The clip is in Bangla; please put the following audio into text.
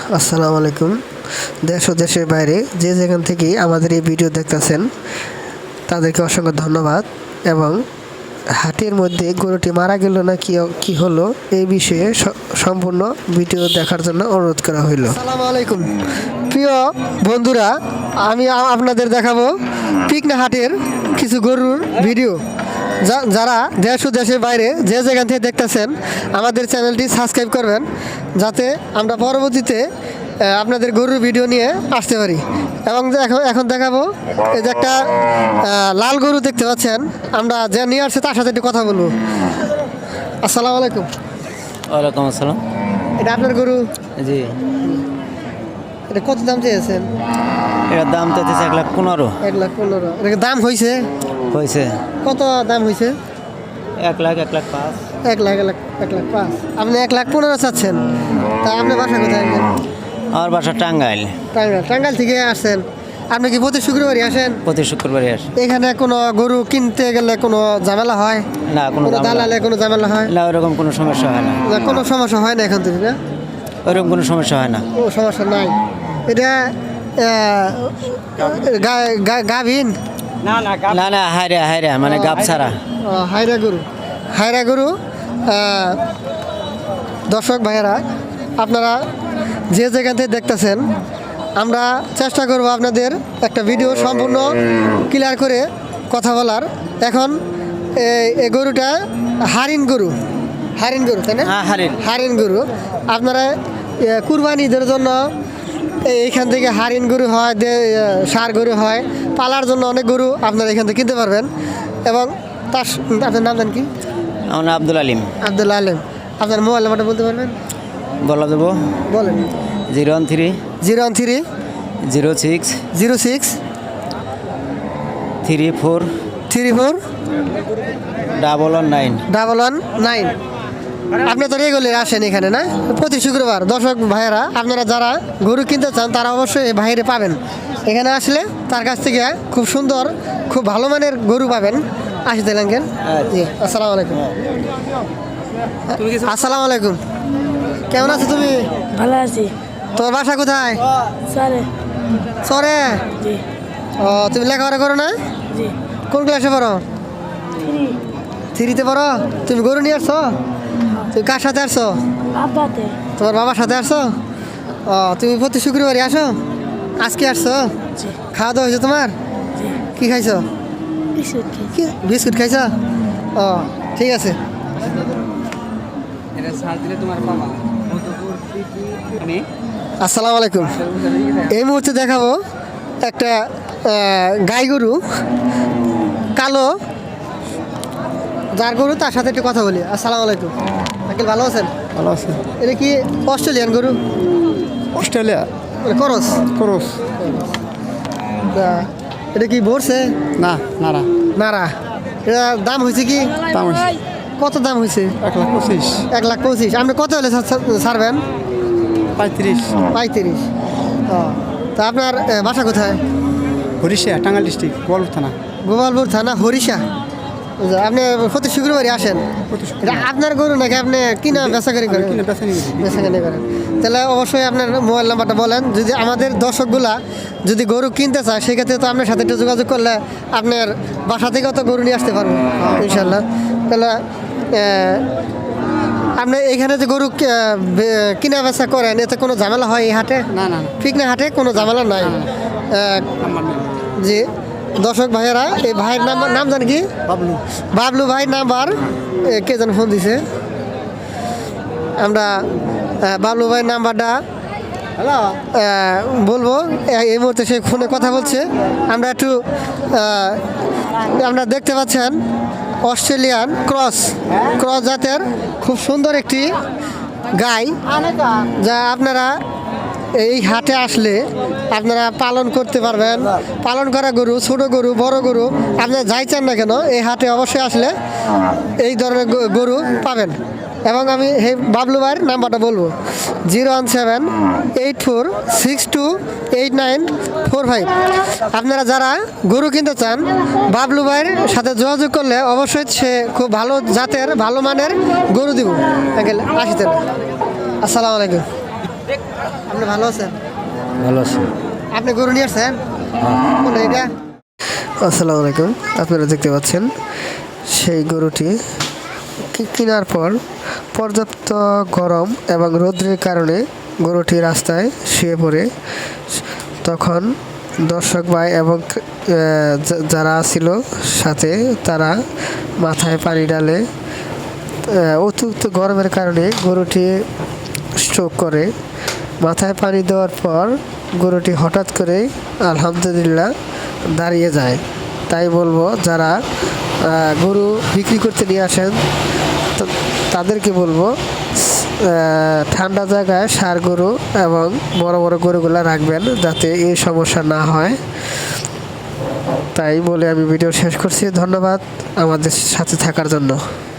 আসসালামু আলাইকুম। দেশ ও দেশের বাইরে যে যেখান থেকেই আমাদের এই ভিডিও দেখতেছেন তাদেরকে অসংখ্য ধন্যবাদ। এবং হাটের মধ্যে গরুটি মারা গেল না কি হলো এই বিষয়ে সম্পূর্ণ ভিডিও দেখার জন্য অনুরোধ করা হইল। আসসালামু আলাইকুম প্রিয় বন্ধুরা, আমি আপনাদের দেখাবো পিকনা হাটের কিছু গরুর ভিডিও। যারা দেশ ও দেশের বাইরে যে যেখান থেকে দেখতেছেন আমাদের চ্যানেলটি সাবস্ক্রাইব করবেন, যাতে আমরা পরবর্তীতে আপনাদের গরুর ভিডিও নিয়ে আসতে পারি। এবং এখন দেখাবো এই যে একটা লাল গরু দেখতে পাচ্ছেন, আমরা যে নিয়ে আসছে তার সাথে একটু কথা বলবো। আসসালামু আলাইকুম। ওয়ালাইকুম আসসালাম। এটা আপনার গরু? জি। এটা কত দাম চেয়েছেন? এটার দাম তো 1,15,000। 1,15,000 এটা দাম হয়েছে? হয়েছে। কত দাম হয়েছে? 1,05,000। 1,05,000। আপনি 1,15,000 চাচ্ছেন? তা আপনার বাসা কোথায়? আমার বাসা টাঙ্গাইল। টাঙ্গাইল থেকে আসছেন? আপনি কি প্রতি শুক্রবারই আসেন? প্রতি শুক্রবারই আসে। এখানে কোনো গরু কিনতে গেলে কোনো ঝামেলা হয় না, কোনো দালালে কোনো ঝামেলা হয় না, ওরকম কোনো সমস্যা হয় না। কোনো সমস্যা হয় না এখান থেকে? না, ওরকম কোনো সমস্যা হয় না। ও সমস্যা নাই। এটা গাভিন? না না, হায়রা মানে গাব ছাড়া। হায়রা গরু। দর্শক ভাইয়েরা, আপনারা যে যেখান থেকে দেখতেছেন, আমরা চেষ্টা করব আপনাদের একটা ভিডিও সম্পূর্ণ ক্লিয়ার করে কথা বলার। এখন এই গরুটা হারিন গরু, তাই না? হারিন গরু। আপনারা কুরবানিদের জন্য এইখান থেকে হারিন গরু হয়, ষাঁড় গরু হয়, পালার জন্য অনেক গরু আপনারা এখান থেকে কিনতে পারবেন। এবং আপনার নাম জানেন কি? আমার নাম আব্দুল আলিম। আপনার মোবাইল নাম্বারটা বলতে পারবেন? বলা দেবো। বলেন। 013 06 06 34 119। আপনি তো রেগুলার আসেন এখানে, না? প্রতি শুক্রবার। দর্শক ভাইয়েরা, আপনারা যারা গরু কিনতে চান তারা অবশ্যই বাইরে পাবেন। এখানে আসলে তার কাছ থেকে খুব সুন্দর, খুব ভালো মানের গরু পাবেন। আসতে লাগেন। জি, আসসালামু আলাইকুম। আসসালামু আলাইকুম। কেমন আছো তুমি? ভালো আছি। তোমার বাসা কোথায়? চরে? ও, তুমি লেখাপড়া করো না? কোন ক্লাসে পড়ো? 3-তে পড়ো? তুমি গরু নিয়ে আসছো? তুমি কার সাথে আসছো? তোমার বাবার সাথে আসছো? ও, তুমি প্রতি শুক্রবারই আসো? আজকে আসছো? খাওয়া দাওয়া হয়েছে তোমার? কি খাইছো? বিস্কুট খাইছো? ও, ঠিক আছে। আসসালামু আলাইকুম। এই মুহূর্তে দেখাবো একটা গাই গরু, কালো, যার গরু তার সাথে একটু কথা বলি। আসসালামু আলাইকুম আঙ্কেল, ভালো আছেন? ভালো আছে। এটা কি অস্ট্রেলিয়ান গরু? অস্ট্রেলিয়া করস। এটা কি ভরছে? না, নাড়া। নাড়া। এটা দাম হয়েছে কি? দাম হয়েছে। কত দাম হয়েছে? 1,25,000। 1,25,000। আপনি কত হলে ছাড়বেন? 35। ও, তা আপনার বাসা কোথায়? হরিষা, টাঙ্গাইল ডিস্ট্রিক্ট, গোপালপুর থানা, হরিষা। আপনি প্রতি শুক্রবারই আসেন? এটা আপনার গরু নাকি আপনি কিনা বেচাকারি করেন? বেচাকারি করেন। তাহলে অবশ্যই আপনার মোবাইল নাম্বারটা বলেন। যদি আমাদের দর্শকগুলা যদি গরু কিনতে চায়, সেক্ষেত্রে তো আপনার সাথে একটু যোগাযোগ করলে আপনার বাসা থেকেও তো গরু নিয়ে আসতে পারবো ইনশাল্লাহ। তাহলে আপনি এইখানে যে গরু কিনা বেচা করেন, এতে কোনো ঝামেলা হয় এই হাটে? না। পিকনা হাটে কোনো ঝামেলা নাই। জি, দর্শক ভাইয়েরা, এই ভাইয়ের নাম জানি কি? বাবলু ভাই। নাম্বার কে যেন ফোন দিছে, আমরা বাবলু ভাইয়ের নাম্বারটা বলবো। এই মুহূর্তে সে ফোনে কথা বলছে। আমরা একটু আমরা দেখতে পাচ্ছেন অস্ট্রেলিয়ান ক্রস জাতের খুব সুন্দর একটি গাই, যা আপনারা এই হাটে আসলে আপনারা পালন করতে পারবেন। পালন করা গরু, ছোট গরু, বড় গরু, আপনারা যাই চান না কেন এই হাটে অবশ্যই আসলে এই ধরনের গরু পাবেন। এবং আমি এই বাবলু ভাইয়ের নাম্বারটা বলবো, 01784628945। আপনারা যারা গরু কিনতে চান, বাবলু ভাইয়ের সাথে যোগাযোগ করলে অবশ্যই সে খুব ভালো জাতের, ভালো মানের গরু দিব। আসতেন। আসসালামু আলাইকুম। আপনি ভালো আছেন? ভালো আছি। আপনি গরু নিয়ে আসছেন? কোনটা এটা? আসসালামু আলাইকুম। আপনারা দেখতে পাচ্ছেন সেই গরুটি কেনার পর পর্যাপ্ত গরম এবং রৌদ্রের কারণে গরুটি রাস্তায় শুয়ে পড়ে। তখন দর্শক ভাই এবং যারা ছিল সাথে তারা মাথায় পানি ডালে। অতিরিক্ত গরমের কারণে গরুটি স্ট্রোক করে। মাথায় পানি দেওয়ার পর গরুটি হঠাৎ করে আলহামদুলিল্লাহ দাঁড়িয়ে যায়। তাই বলবো যারা গরু বিক্রি করতে নিয়ে আসেন তাদেরকে বলবো ঠান্ডা জায়গায় ষাঁড় গরু এবং বড় বড় গরুগুলো রাখবেন যাতে এই সমস্যা না হয়। তাই বলে আমি ভিডিও শেষ করছি। ধন্যবাদ আমাদের সাথে থাকার জন্য।